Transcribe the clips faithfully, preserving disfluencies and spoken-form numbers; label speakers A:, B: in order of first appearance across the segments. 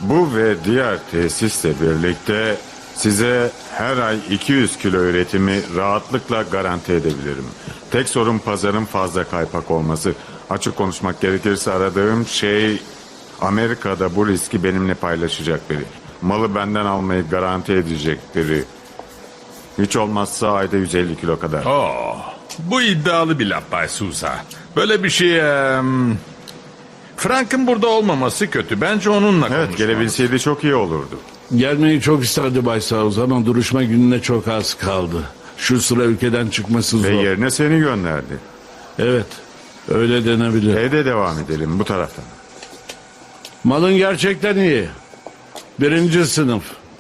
A: Bu ve diğer tesisle birlikte size her ay iki yüz kilo üretimi rahatlıkla garanti edebilirim. Tek sorun pazarın fazla kaypak olması. Açık konuşmak gerekirse aradığım şey Amerika'da bu riski benimle paylaşacak biri. Malı benden almayı garanti edecek biri. Hiç olmazsa ayda yüz elli kilo kadar.
B: Oh, bu iddialı bir laf Bay Sousa. Böyle bir şey... em, Frank'ın burada olmaması kötü. Bence onunla
A: Evet,
B: konuşmalısın.
A: gelebilseydi çok iyi olurdu.
C: Gelmeyi çok isterdi Bay Sauz ama duruşma gününe çok az kaldı. Şu sıra ülkeden çıkması zor.
A: Ve yerine seni gönderdi.
C: Evet, öyle denebilir.
A: Evde devam edelim bu taraftan.
C: Malın gerçekten iyi. Birinci sınıf.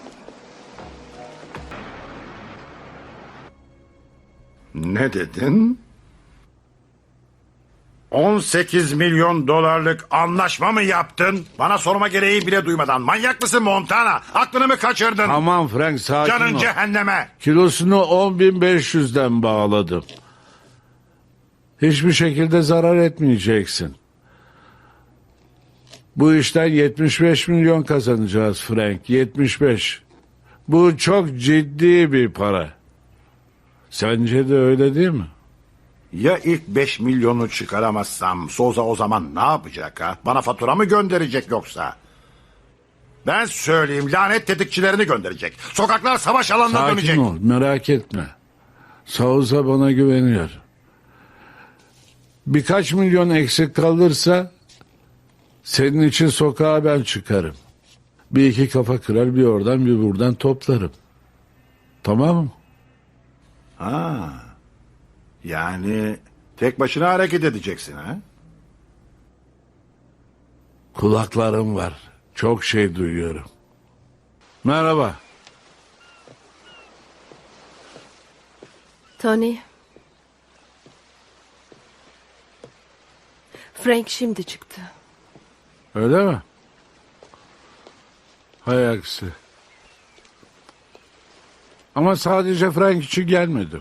D: Ne dedin? on sekiz milyon dolarlık anlaşma mı yaptın? Bana sorma gereği bile duymadan. Manyak mısın Montana? Aklını mı kaçırdın?
C: Aman Frank, sakin
D: Canın
C: ol.
D: cehenneme.
C: Kilosunu on bin beş yüzden bağladım. Hiçbir şekilde zarar etmeyeceksin. Bu işten yetmiş beş milyon kazanacağız Frank. yetmiş beş. Bu çok ciddi bir para. Sence de öyle değil mi?
D: Ya ilk beş milyonu çıkaramazsam Souza o zaman ne yapacak ha? Bana fatura mı gönderecek yoksa? Ben söyleyeyim, lanet tetikçilerini gönderecek. Sokaklar savaş alanına
C: Sakin
D: dönecek.
C: ol, merak etme. Sauza bana güveniyor. Birkaç milyon eksik kalırsa senin için sokağa ben çıkarım. Bir iki kafa kırar, bir oradan bir buradan toplarım. Tamam mı?
D: Ha. Yani tek başına hareket edeceksin ha?
C: Kulaklarım var. Çok şey duyuyorum. Merhaba.
E: Tony. Frank şimdi çıktı.
C: Öyle mi? Hay aksi. Ama sadece Frank için gelmedim.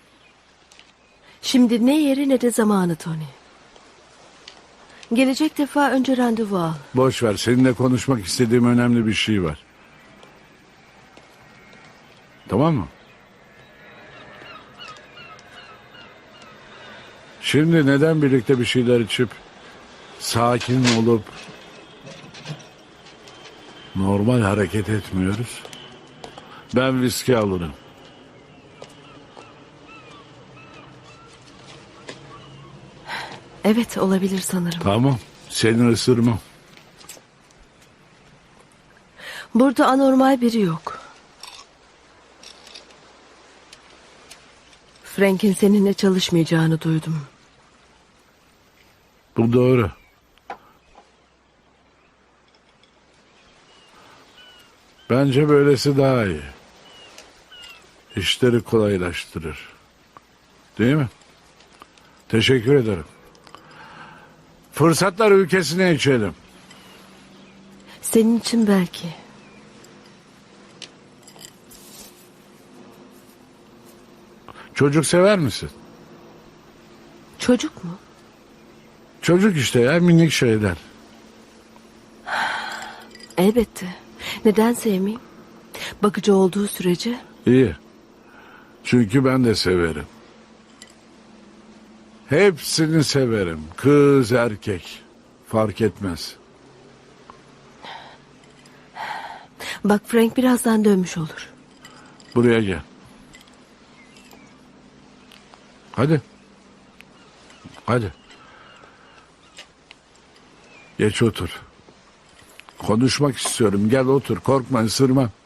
E: Şimdi ne yeri ne de zamanı Tony. Gelecek defa önce randevu al.
C: Boş ver, seninle konuşmak istediğim önemli bir şey var. Tamam mı? Şimdi neden birlikte bir şeyler içip sakin olup normal hareket etmiyoruz? Ben viski alırım.
E: Evet, olabilir sanırım.
C: Tamam, seni ısırmam.
E: Burada anormal biri yok. Frank'in seninle çalışmayacağını duydum.
C: Bu doğru. Bence böylesi daha iyi. İşleri kolaylaştırır. Değil mi? Teşekkür ederim. Fırsatlar ülkesine içelim.
E: Senin için belki.
C: Çocuk sever misin?
E: Çocuk mu?
C: Çocuk işte ya, minik şeyler.
E: Elbette. Neden sevmeyeyim? Bakıcı olduğu sürece.
C: İyi. Çünkü ben de severim. Hepsini severim. Kız, erkek. Fark etmez.
E: Bak, Frank birazdan dönmüş olur.
C: Buraya gel. Hadi. Hadi. Geç otur. Konuşmak istiyorum. Gel otur. Korkma, ısırma.